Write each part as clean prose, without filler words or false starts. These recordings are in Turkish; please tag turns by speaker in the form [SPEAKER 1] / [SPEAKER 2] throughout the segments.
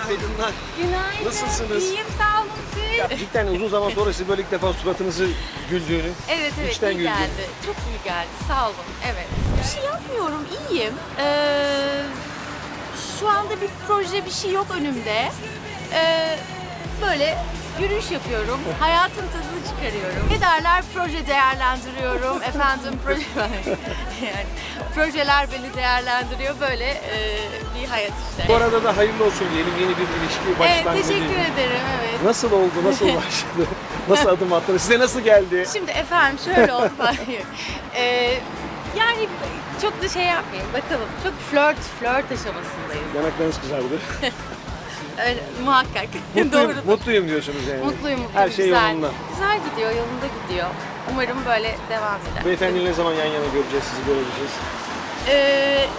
[SPEAKER 1] Günaydınlar.
[SPEAKER 2] Günaydın.
[SPEAKER 1] Nasılsınız?
[SPEAKER 2] İyiyim, sağ olun siz.
[SPEAKER 1] Ya cidden uzun zaman sonra sizi böyle ilk defa suratınızı güldüğünü.
[SPEAKER 2] Evet,
[SPEAKER 1] içten
[SPEAKER 2] iyi
[SPEAKER 1] güldüm.
[SPEAKER 2] geldi. Çok iyi geldi, sağ olun. Evet. Bir şey yapmıyorum, iyiyim. Şu anda bir proje, bir şey yok önümde. Böyle yürüyüş yapıyorum, hayatın tadını çıkarıyorum. Ne derler? Proje değerlendiriyorum. Efendim, proje yani projeler beni değerlendiriyor. Böyle bir hayat işte.
[SPEAKER 1] Bu arada da hayırlı olsun diyelim, yeni bir ilişki başlangıcı.
[SPEAKER 2] Evet, teşekkür ederim. Evet.
[SPEAKER 1] Nasıl oldu, nasıl başladı, nasıl adım attınız, size nasıl geldi?
[SPEAKER 2] Şimdi efendim şöyle oldu falan. Yani çok da şey yapmayayım bakalım. Çok flört aşamasındayız.
[SPEAKER 1] Yanaklarınız kızardı.
[SPEAKER 2] Öyle, muhakkak.
[SPEAKER 1] Mutluyum,
[SPEAKER 2] Doğrudur.
[SPEAKER 1] mutluyum diyorsunuz yani.
[SPEAKER 2] Mutluyum.
[SPEAKER 1] Her şey
[SPEAKER 2] güzel.
[SPEAKER 1] yolunda.
[SPEAKER 2] Güzel gidiyor, yolunda gidiyor. Umarım böyle devam eder.
[SPEAKER 1] Beyefendiyle ne zaman yan yana göreceğiz, sizi görebileceğiz?
[SPEAKER 2] Ee,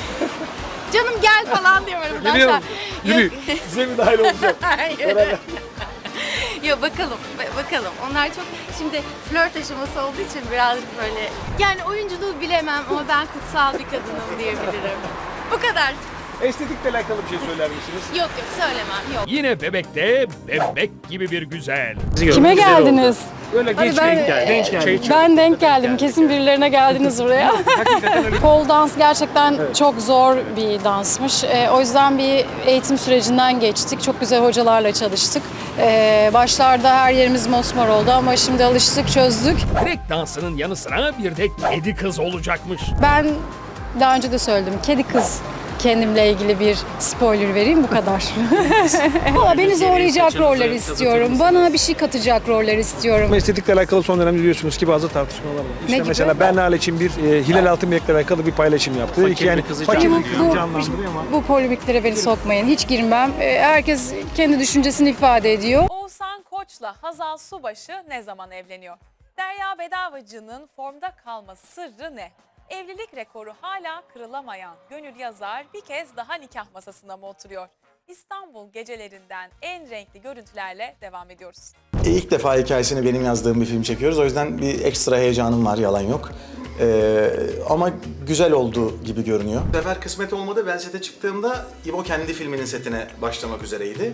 [SPEAKER 2] Canım gel falan diyorum.
[SPEAKER 1] Geliyorum, yürü.
[SPEAKER 2] Yok.
[SPEAKER 1] Size mi dahil olacağım?
[SPEAKER 2] Hayır.
[SPEAKER 1] Beraber.
[SPEAKER 2] Yok bakalım. Onlar çok şimdi flört aşaması olduğu için birazcık böyle yani oyunculuğu bilemem ama ben kutsal bir kadınım diyebilirim. Bu kadar.
[SPEAKER 1] Estetikle alakalı bir şey söyler misiniz?
[SPEAKER 2] Yok söylemem yok.
[SPEAKER 3] Yine bebekte bebek gibi bir güzel.
[SPEAKER 4] Kime geldiniz?
[SPEAKER 1] Böyle genç
[SPEAKER 4] ben-
[SPEAKER 1] denk geldi. Genç geldi.
[SPEAKER 4] Ben denk geldim. Kesin birilerine geldiniz buraya. Pole dans gerçekten çok zor bir dansmış. O yüzden bir eğitim sürecinden geçtik. Çok güzel hocalarla çalıştık. Başlarda her yerimiz mosmor oldu ama şimdi alıştık, çözdük.
[SPEAKER 3] Break dansının yanı sıra bir de kedi kız olacakmış.
[SPEAKER 4] Ben daha önce de söyledim. Kedi kız kendimle ilgili bir spoiler vereyim bu kadar. Valla beni zorlayacak roller istiyorum. Bana bir şey katacak roller istiyorum.
[SPEAKER 1] Estetikle alakalı son dönemde biliyorsunuz ki bazı tartışmalar var. İşte
[SPEAKER 4] gibi?
[SPEAKER 1] mesela Berna için bir Hilal Altınbek'le alakalı bir paylaşım yaptı. Dedi ki yani fakir bir kızı canlandırıyor ama.
[SPEAKER 4] Bu polemiklere beni sokmayın. Hiç girmem. Herkes kendi düşüncesini ifade ediyor.
[SPEAKER 5] Oğuzhan Koç'la Hazal Subaşı ne zaman evleniyor? Derya Bedavacı'nın formda kalma sırrı ne? Evlilik rekoru hala kırılamayan Gönül Yazar bir kez daha nikah masasına mı oturuyor? İstanbul gecelerinden en renkli görüntülerle devam ediyoruz.
[SPEAKER 6] İlk defa hikayesini benim yazdığım bir film çekiyoruz. O yüzden bir ekstra heyecanım var, yalan yok. Ama güzel oldu gibi görünüyor. Bu sefer kısmet olmadı. Ben sete çıktığımda İbo kendi filminin setine başlamak üzereydi.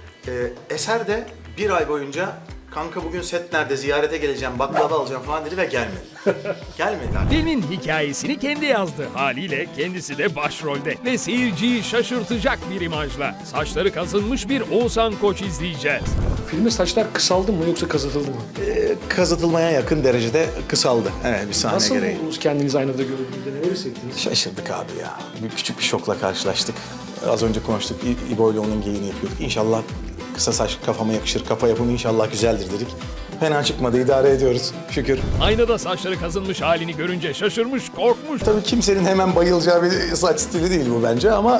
[SPEAKER 6] Eser de bir ay boyunca kanka bugün set nerede, ziyarete geleceğim, baklava alacağım falan dedi ve gelmedi. Gelmedi abi.
[SPEAKER 3] Filmin hikayesini kendi yazdı. Haliyle kendisi de başrolde. Ve seyirciyi şaşırtacak bir imajla. Saçları kazınmış bir Oğuzhan Koç izleyeceğiz.
[SPEAKER 7] Filmde saçlar kısaldı mı yoksa kazıtıldı mı?
[SPEAKER 6] Kazıtılmaya yakın derecede kısaldı. Evet, bir sahne
[SPEAKER 7] Nasıl
[SPEAKER 6] gereği.
[SPEAKER 7] buldunuz kendinizi aynada gördüğünüzde, neler hissettiniz?
[SPEAKER 6] Şaşırdık abi ya. Küçük bir şokla karşılaştık. Az önce konuştuk. İbo ile onun geyiğini yapıyorduk. İnşallah kısa saç kafama yakışır, kafa yapımı inşallah güzeldir dedik. Fena çıkmadı, idare ediyoruz şükür.
[SPEAKER 3] Aynada saçları kazınmış halini görünce şaşırmış, korkmuş.
[SPEAKER 6] Tabii kimsenin hemen bayılacağı bir saç stili değil bu bence ama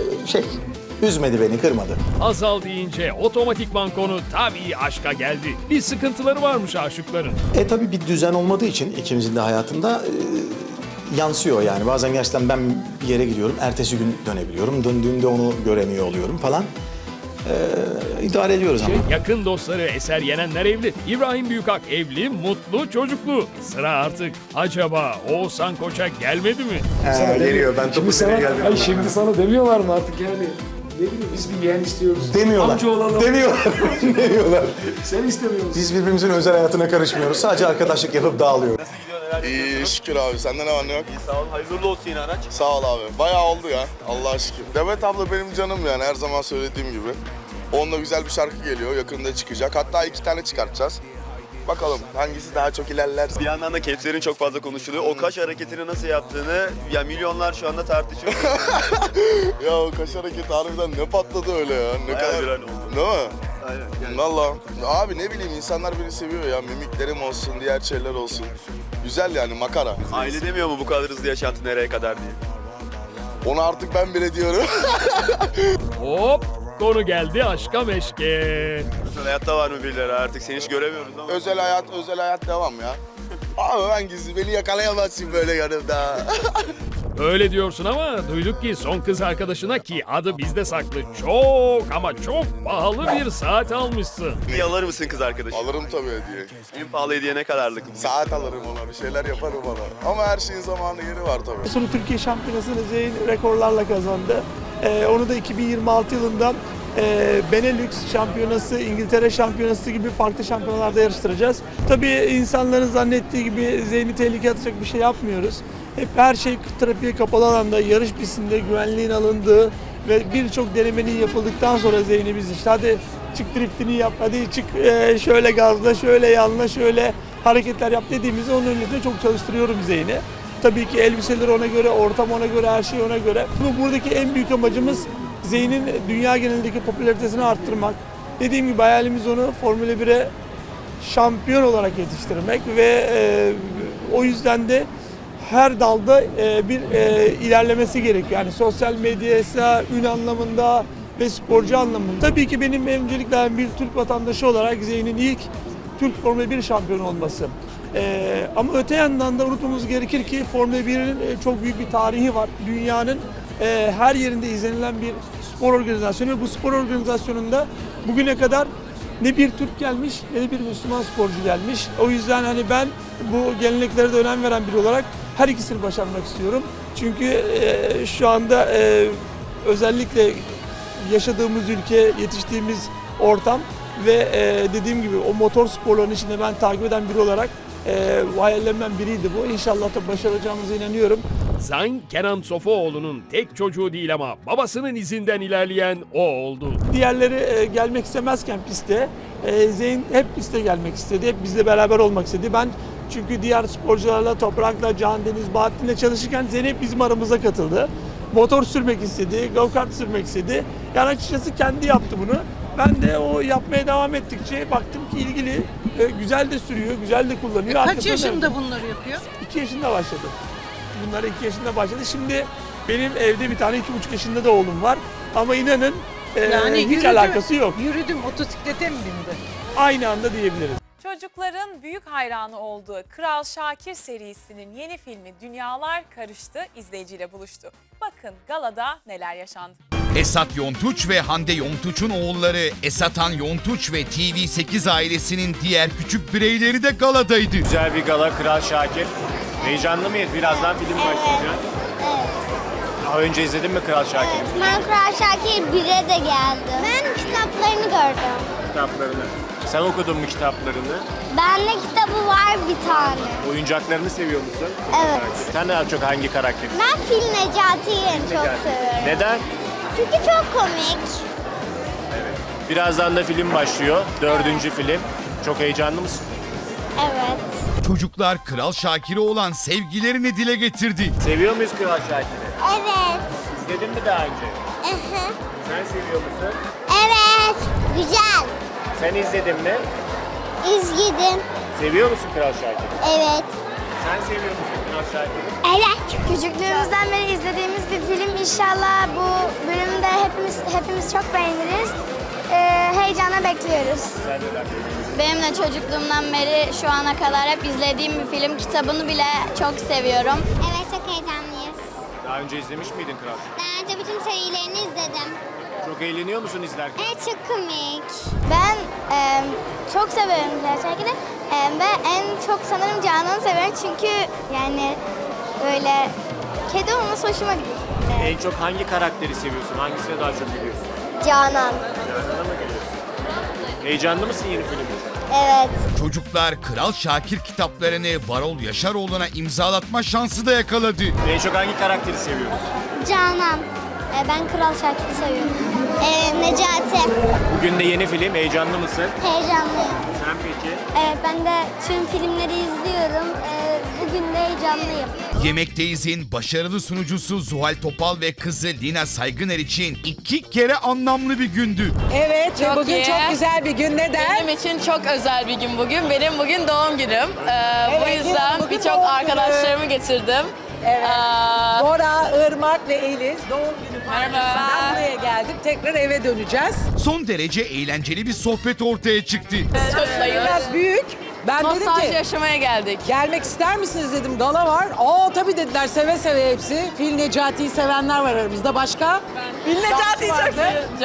[SPEAKER 6] üzmedi beni, kırmadı.
[SPEAKER 3] Hazal deyince otomatikman konu tabii aşka geldi. Bir sıkıntıları varmış aşıkların.
[SPEAKER 6] Tabii bir düzen olmadığı için ikimizin de hayatında yansıyor yani. Bazen gerçekten ben bir yere gidiyorum, ertesi gün dönebiliyorum. Döndüğümde onu göremiyor oluyorum falan. İdare ediyoruz ama.
[SPEAKER 3] Yakın dostları Eser Yenenler evli. İbrahim Büyükak evli, mutlu, çocuklu. Sıra artık acaba Oğuzhan Koç'a gelmedi mi?
[SPEAKER 6] Geliyor, ben
[SPEAKER 7] Şimdi
[SPEAKER 6] topu
[SPEAKER 7] sana,
[SPEAKER 6] seni geldim.
[SPEAKER 7] ay şimdi sana demiyorlar mı artık yani? Ne bileyim biz bir yeğen istiyoruz.
[SPEAKER 6] Demiyorlar.
[SPEAKER 7] Amca olalım.
[SPEAKER 6] Demiyorlar. Demiyorlar.
[SPEAKER 7] Sen istemiyor musun?
[SPEAKER 6] Biz birbirimizin özel hayatına karışmıyoruz. Sadece arkadaşlık yapıp dağılıyoruz.
[SPEAKER 8] İyi şükür abi. Sende ne var ne yok?
[SPEAKER 9] Sağ ol. Hayırlı olsun yine araç.
[SPEAKER 8] Sağ ol abi. Bayağı oldu ya. Allah'a şükür. Demet abla benim canım yani her zaman söylediğim gibi. Onunla güzel bir şarkı geliyor. Yakında çıkacak. Hatta 2 tane çıkartacağız. Bakalım hangisi daha çok ilerler.
[SPEAKER 9] Bir yandan da capslerin çok fazla konuşuluyor. O kaş hareketini nasıl yaptığını ya milyonlar şu anda tartışıyor.
[SPEAKER 8] Ya o kaş hareketi harbiden ne patladı öyle ya. Ne
[SPEAKER 9] Bayağı
[SPEAKER 8] kadar.
[SPEAKER 9] viral oldu.
[SPEAKER 8] Değil mi?
[SPEAKER 9] Aynen. Yani
[SPEAKER 8] Valla. Abi ne bileyim insanlar beni seviyor ya. Mimiklerim olsun, diğer şeyler olsun. Güzel yani makara.
[SPEAKER 9] aile demiyor mu bu kadar hızlı yaşantı nereye kadar diye.
[SPEAKER 8] Onu artık ben bile diyorum.
[SPEAKER 3] Hop! Konu geldi aşka meşke.
[SPEAKER 9] Özel hayatta var mı birileri artık seni hiç göremiyoruz ama.
[SPEAKER 8] özel hayat devam ya. Abi ben gizli beni yakalayamazsın böyle yanımda.
[SPEAKER 3] Öyle diyorsun ama duyduk ki son kız arkadaşına ki adı bizde saklı çok ama çok pahalı bir saat almışsın.
[SPEAKER 9] Bir alır mısın kız arkadaşım?
[SPEAKER 8] Alırım tabii hediye.
[SPEAKER 9] En pahalı hediye ne kadarlık?
[SPEAKER 8] Saat alırım ona, bir şeyler yaparım ona. Ama her şeyin zamanı yeri var tabii.
[SPEAKER 10] Sonra Türkiye Şampiyonası'nı Zeyn rekorlarla kazandı. Onu da 2026 yılından
[SPEAKER 7] Benelux şampiyonası, İngiltere şampiyonası gibi farklı şampiyonalarda yarıştıracağız. Tabii insanların zannettiği gibi Zeyn'i tehlikeye atacak bir şey yapmıyoruz. Hep her şey trafiğe kapalı alanda, yarış pistinde güvenliğin alındığı ve birçok denemenin yapıldıktan sonra Zeyn'i biz işte hadi çık driftini yap, hadi çık şöyle gazla, şöyle yanla, şöyle hareketler yap dediğimizde onun önünde çok çalıştırıyorum Zeyn'i. Tabii ki elbiseler ona göre, ortam ona göre, her şey ona göre. Buradaki en büyük amacımız Zeyn'in dünya genelindeki popülaritesini arttırmak. Dediğim gibi hayalimiz onu Formula 1'e şampiyon olarak yetiştirmek ve o yüzden de her dalda bir ilerlemesi gerekiyor. Yani sosyal medyaysa, ün anlamında ve sporcu anlamında. Tabii ki benim öncelikle bir Türk vatandaşı olarak Zeyn'in ilk Türk Formula 1 şampiyonu olması. Ama öte yandan da unutmamız gerekir ki Formula 1'in çok büyük bir tarihi var. Dünyanın her yerinde izlenilen bir spor organizasyonu ve bu spor organizasyonunda bugüne kadar ne bir Türk gelmiş ne de bir Müslüman sporcu gelmiş. O yüzden hani ben bu geleneklere de önem veren biri olarak her ikisini başarmak istiyorum. Çünkü şu anda özellikle yaşadığımız ülke, yetiştiğimiz ortam ve dediğim gibi o motor sporlarının içinde ben takip eden biri olarak hayallerimden biriydi bu. İnşallah da başaracağımıza inanıyorum.
[SPEAKER 3] Zayn, Kenan Sofuoğlu'nun tek çocuğu değil ama babasının izinden ilerleyen o oldu.
[SPEAKER 7] Diğerleri gelmek istemezken piste, Zeyn hep piste gelmek istedi. Hep bizle beraber olmak istedi. Ben çünkü diğer sporcularla, Toprak'la, Can Deniz, Bahattin'le çalışırken Zeyn hep bizim aramıza katıldı. Motor sürmek istedi, go-kart sürmek istedi. Yani açıkçası kendi yaptı bunu. Ben de o yapmaya devam ettikçe baktım ki ilgili, güzel de sürüyor, güzel de kullanıyor.
[SPEAKER 10] Kaç yaşında bunları yapıyor?
[SPEAKER 7] 2 yaşında başladı. Bunlar 2 yaşında başladı. Şimdi benim evde bir tane 2,5 yaşında da oğlum var. Ama inanın hiç alakası yok.
[SPEAKER 10] Yürüdüm, motosiklete mi bindi?
[SPEAKER 7] Aynı anda diyebiliriz.
[SPEAKER 5] Çocukların büyük hayranı olduğu Kral Şakir serisinin yeni filmi Dünyalar Karıştı izleyiciyle buluştu. Bakın galada neler yaşandı.
[SPEAKER 11] Esat Yontuç ve Hande Yontuç'un oğulları Esatan Yontuç ve TV8 ailesinin diğer küçük bireyleri de galadaydı.
[SPEAKER 12] Güzel bir gala Kral Şakir. Heyecanlı mıyız? Birazdan film başlayacak.
[SPEAKER 13] Evet.
[SPEAKER 12] Daha önce izledin mi Kral Şakir'i?
[SPEAKER 13] Evet, ben Kral Şakir 1'e de geldim. Ben kitaplarını gördüm.
[SPEAKER 12] Kitaplarını. Sen okudun mu kitaplarını?
[SPEAKER 13] Bende kitabı var bir tane.
[SPEAKER 12] Oyuncaklarını seviyor musun?
[SPEAKER 13] Evet.
[SPEAKER 12] Sen daha çok hangi karakteri?
[SPEAKER 13] Ben Fil Necati'yi çok seviyorum.
[SPEAKER 12] Neden?
[SPEAKER 13] Çünkü çok komik.
[SPEAKER 12] Birazdan da film başlıyor. 4. film. Çok heyecanlı mısın?
[SPEAKER 13] Evet.
[SPEAKER 11] Çocuklar Kral Şakir'e olan sevgilerini dile getirdi.
[SPEAKER 12] Seviyor muyuz Kral Şakir'i?
[SPEAKER 13] Evet.
[SPEAKER 12] İzledin mi daha önce?
[SPEAKER 13] Aha.
[SPEAKER 12] Sen seviyor musun?
[SPEAKER 13] Evet. Güzel.
[SPEAKER 12] Sen izledin mi?
[SPEAKER 13] İzledim.
[SPEAKER 12] Seviyor musun Kral Şakir'i?
[SPEAKER 13] Evet.
[SPEAKER 12] Sen seviyor musun Kral Şakir'i?
[SPEAKER 13] Evet. Küçüklüğümüzden beri izlediğimiz bir film. İnşallah bu bölümde hepimiz çok beğeniriz. Heyecanla bekliyoruz.
[SPEAKER 12] Sen neler
[SPEAKER 13] Benim de çocukluğumdan beri şu ana kadar hep izlediğim bir film. Kitabını bile çok seviyorum. Evet, çok heyecanlıyız.
[SPEAKER 12] Daha önce izlemiş miydin Kral?
[SPEAKER 13] Daha önce bütün serilerini izledim.
[SPEAKER 12] Çok eğleniyor musun izlerken?
[SPEAKER 13] Evet, çok komik. Ben çok severim gerçekten. Ve en çok sanırım Canan'ı severim çünkü yani böyle kedi olması hoşuma gidiyor.
[SPEAKER 12] En çok hangi karakteri seviyorsun? Hangisine daha çok gülüyorsun?
[SPEAKER 13] Canan.
[SPEAKER 12] Canan'a mı geliyorsun? Heyecanlı mısın yeni film için?
[SPEAKER 13] Evet.
[SPEAKER 11] Çocuklar Kral Şakir kitaplarını Varol Yaşaroğlu'na imzalatma şansı da yakaladı.
[SPEAKER 12] En çok hangi karakteri seviyorsun?
[SPEAKER 13] Canan. Ben Kral Şakir'i seviyorum. Necati.
[SPEAKER 12] Bugün de yeni film. Heyecanlı mısın?
[SPEAKER 13] Heyecanlıyım.
[SPEAKER 12] Sen peki?
[SPEAKER 13] Evet, ben de tüm filmleri izliyorum. Bugün de heyecanlıyım.
[SPEAKER 11] Yemekteyiz'in başarılı sunucusu Zuhal Topal ve kızı Lina Saygıner için 2 kere anlamlı bir gündü.
[SPEAKER 10] Evet,
[SPEAKER 2] Çok
[SPEAKER 10] bugün
[SPEAKER 2] iyi.
[SPEAKER 10] çok güzel bir gün. Neden?
[SPEAKER 2] Benim için çok özel bir gün bugün. Benim bugün doğum günüm. Bu
[SPEAKER 10] Evet,
[SPEAKER 2] yüzden
[SPEAKER 10] bugün
[SPEAKER 2] birçok
[SPEAKER 10] doğum günü.
[SPEAKER 2] arkadaşlarımı getirdim.
[SPEAKER 10] Evet. Bora, Irmak ve Eliz doğum günü
[SPEAKER 2] Merhaba.
[SPEAKER 10] partisinden buraya geldik. Tekrar eve döneceğiz.
[SPEAKER 11] Son derece eğlenceli bir sohbet ortaya çıktı.
[SPEAKER 10] Biraz büyük. Ben dedim
[SPEAKER 2] Nostalji
[SPEAKER 10] ki
[SPEAKER 2] yaşamaya geldik.
[SPEAKER 10] gelmek ister misiniz dedim. Gala var. Tabii dediler, seve seve hepsi. Fil Necati'yi sevenler var aramızda. Başka?
[SPEAKER 2] Ben
[SPEAKER 10] Can diyecek.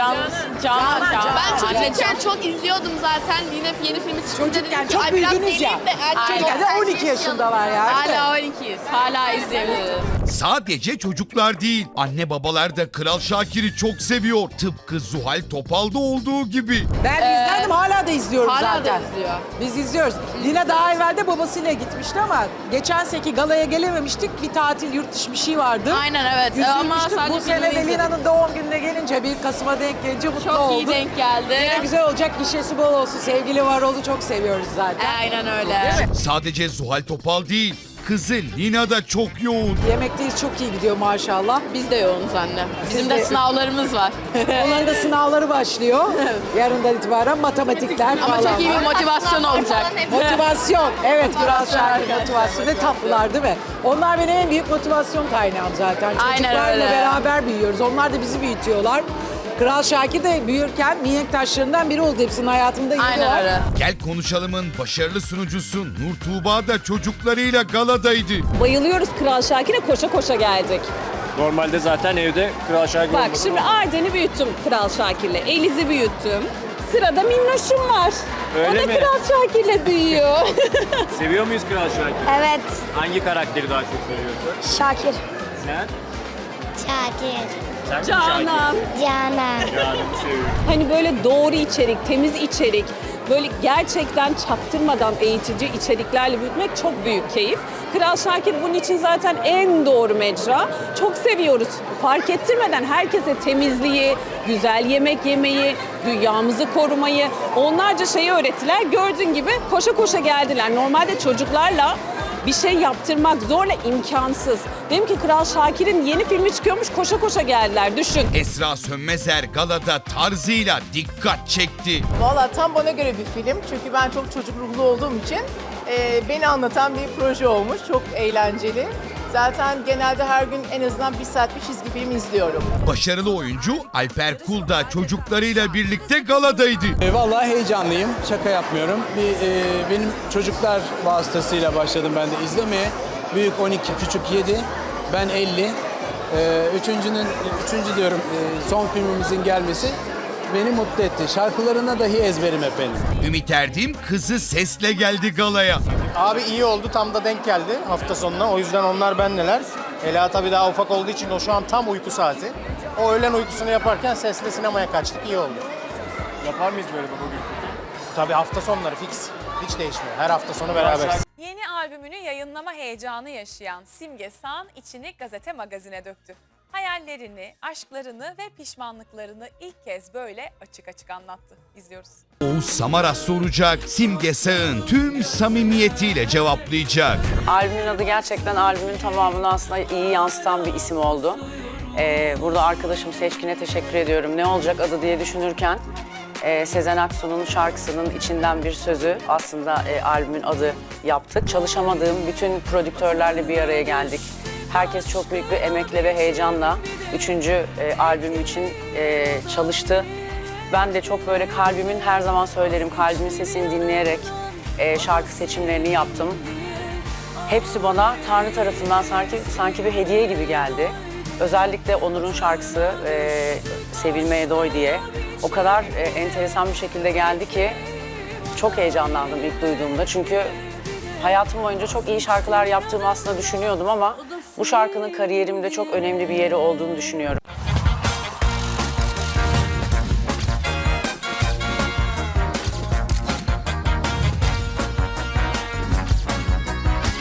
[SPEAKER 2] Canan. Ben çocukken çok izliyordum zaten. Yine yeni filmi çıkınca
[SPEAKER 10] Çocukken
[SPEAKER 2] dedim ki,
[SPEAKER 10] çok
[SPEAKER 2] "Ay, biraz
[SPEAKER 10] büyüdünüz ya.
[SPEAKER 2] geleyim de erkek
[SPEAKER 10] Aynen.
[SPEAKER 2] olsun."
[SPEAKER 10] 12 yaşındalar yani.
[SPEAKER 2] Hala 12'yiz. Hala izleyebiliriz.
[SPEAKER 11] Sadece çocuklar değil, anne babalar da Kral Şakir'i çok seviyor. Tıpkı Zuhal Topal'da olduğu gibi.
[SPEAKER 10] Ben izledim, hala da izliyorum
[SPEAKER 2] Hala
[SPEAKER 10] zaten.
[SPEAKER 2] da izliyor.
[SPEAKER 10] Biz izliyoruz. Lina daha evvel de babasıyla gitmişti ama geçen seneki galaya gelememiştik. Bir tatil, yurt dışı bir şey vardı.
[SPEAKER 2] Aynen evet. Ama
[SPEAKER 10] Üzülmüştük.
[SPEAKER 2] sadece
[SPEAKER 10] Bu sene de
[SPEAKER 2] filmini
[SPEAKER 10] Lina'nın doğum gününe gelince, 1 Kasım'a denk gelince mutlu
[SPEAKER 2] Çok
[SPEAKER 10] olduk.
[SPEAKER 2] iyi denk geldi.
[SPEAKER 10] Yine güzel olacak, gişesi bol olsun. Sevgili Varol'u çok seviyoruz zaten.
[SPEAKER 2] Aynen öyle.
[SPEAKER 11] Sadece Zuhal Topal değil, kızı Lina da çok yoğun.
[SPEAKER 10] Yemekteyiz, çok iyi gidiyor maşallah.
[SPEAKER 2] Biz de yoğunuz anne. Bizim
[SPEAKER 10] Siz
[SPEAKER 2] de
[SPEAKER 10] de-
[SPEAKER 2] sınavlarımız var.
[SPEAKER 10] Onların da sınavları başlıyor. Yarından itibaren matematikler
[SPEAKER 2] Ama
[SPEAKER 10] falan
[SPEAKER 2] çok iyi bir
[SPEAKER 10] var.
[SPEAKER 2] motivasyon olacak.
[SPEAKER 10] Motivasyon. Evet, Kral Şakir motivasyon. Ne tatlılar değil mi? Onlar benim en büyük motivasyon kaynağım zaten.
[SPEAKER 2] Aynen
[SPEAKER 10] Çocuklarla
[SPEAKER 2] öyle.
[SPEAKER 10] beraber büyüyoruz. Onlar da bizi büyütüyorlar. Kral Şakir de büyürken mihenk taşlarından biri oldu. Hepsinin hayatımda yeri
[SPEAKER 2] Aynen
[SPEAKER 10] var.
[SPEAKER 2] öyle.
[SPEAKER 11] Gel Konuşalım'ın başarılı sunucusu Nur Tuğba da çocuklarıyla galadaydı.
[SPEAKER 14] Bayılıyoruz Kral Şakir'e, koşa koşa geldik.
[SPEAKER 12] Normalde zaten evde Kral Şakir
[SPEAKER 14] Bak
[SPEAKER 12] olmadı
[SPEAKER 14] şimdi
[SPEAKER 12] ama
[SPEAKER 14] Arden'i büyüttüm Kral Şakir'le, Eliz'i büyüttüm. Sırada Minnoş'um var. O
[SPEAKER 12] Öyle
[SPEAKER 14] da
[SPEAKER 12] mi?
[SPEAKER 14] Kral Şakir'le büyüyor.
[SPEAKER 12] Seviyor muyuz Kral Şakir?
[SPEAKER 13] Evet.
[SPEAKER 12] Hangi karakteri daha çok seviyorsun?
[SPEAKER 13] Şakir.
[SPEAKER 12] Sen?
[SPEAKER 13] Şakir.
[SPEAKER 12] Sen mi
[SPEAKER 14] Canan.
[SPEAKER 13] Canan.
[SPEAKER 12] Şakir? Canan'ı seviyorum.
[SPEAKER 14] Hani böyle doğru içerik, temiz içerik, böyle gerçekten çaktırmadan eğitici içeriklerle büyütmek çok büyük keyif. Kral Şakir bunun için zaten en doğru mecra. Çok seviyoruz. Fark ettirmeden herkese temizliği, güzel yemek yemeyi, dünyamızı korumayı, onlarca şeyi öğrettiler. Gördüğün gibi koşa koşa geldiler. Normalde çocuklarla bir şey yaptırmak zorla imkansız. Dedim ki Kral Şakir'in yeni filmi çıkıyormuş, koşa koşa geldiler. Düşün.
[SPEAKER 11] Esra Sönmezer galada tarzıyla dikkat çekti.
[SPEAKER 15] Valla tam bana göre bir film. Çünkü ben çok çocuk ruhlu olduğum için beni anlatan bir proje olmuş. Çok eğlenceli. Zaten genelde her gün en azından 1 saat bir çizgi film izliyorum.
[SPEAKER 11] Başarılı oyuncu Alper Kul da çocuklarıyla birlikte galadaydı.
[SPEAKER 16] Vallahi heyecanlıyım, şaka yapmıyorum. Benim çocuklar vasıtasıyla başladım ben de izlemeye. Büyük 12, küçük 7, ben 50. Son filmimizin gelmesi beni mutlu etti. Şarkılarına dahi ezberim efendim.
[SPEAKER 11] Ümit Erdim kızı sesle geldi galaya.
[SPEAKER 12] Abi iyi oldu, tam da denk geldi hafta sonuna. O yüzden onlar bendeler. Ela tabii daha ufak olduğu için o şu an tam uyku saati. O öğlen uykusunu yaparken sesle sinemaya kaçtık, iyi oldu. Yapar mıyız böyle bugün? Tabii hafta sonları fix. Hiç değişmiyor. Her hafta sonu beraberiz.
[SPEAKER 5] Yeni albümünü yayınlama heyecanı yaşayan Simge Sağan içini gazete magazine döktü. Hayallerini, aşklarını ve pişmanlıklarını ilk kez böyle açık açık anlattı. İzliyoruz.
[SPEAKER 11] Oğuz Samaras soracak, Simge Sağ'ın tüm samimiyetiyle cevaplayacak.
[SPEAKER 17] Albümün adı gerçekten albümün tamamını aslında iyi yansıtan bir isim oldu. Burada arkadaşım Seçkin'e teşekkür ediyorum. Ne olacak adı diye düşünürken Sezen Aksu'nun şarkısının içinden bir sözü aslında albümün adı yaptık. Çalışamadığım bütün prodüktörlerle bir araya geldik. Herkes çok büyük bir emekle ve heyecanla 3. albüm için çalıştı. Ben de çok böyle kalbimin, her zaman söylerim, kalbimin sesini dinleyerek şarkı seçimlerini yaptım. Hepsi bana Tanrı tarafından sanki bir hediye gibi geldi. Özellikle Onur'un şarkısı Sevilmeye Doy diye o kadar enteresan bir şekilde geldi ki çok heyecanlandım ilk duyduğumda. Çünkü hayatım boyunca çok iyi şarkılar yaptığımı aslında düşünüyordum ama bu şarkının kariyerimde çok önemli bir yeri olduğunu düşünüyorum.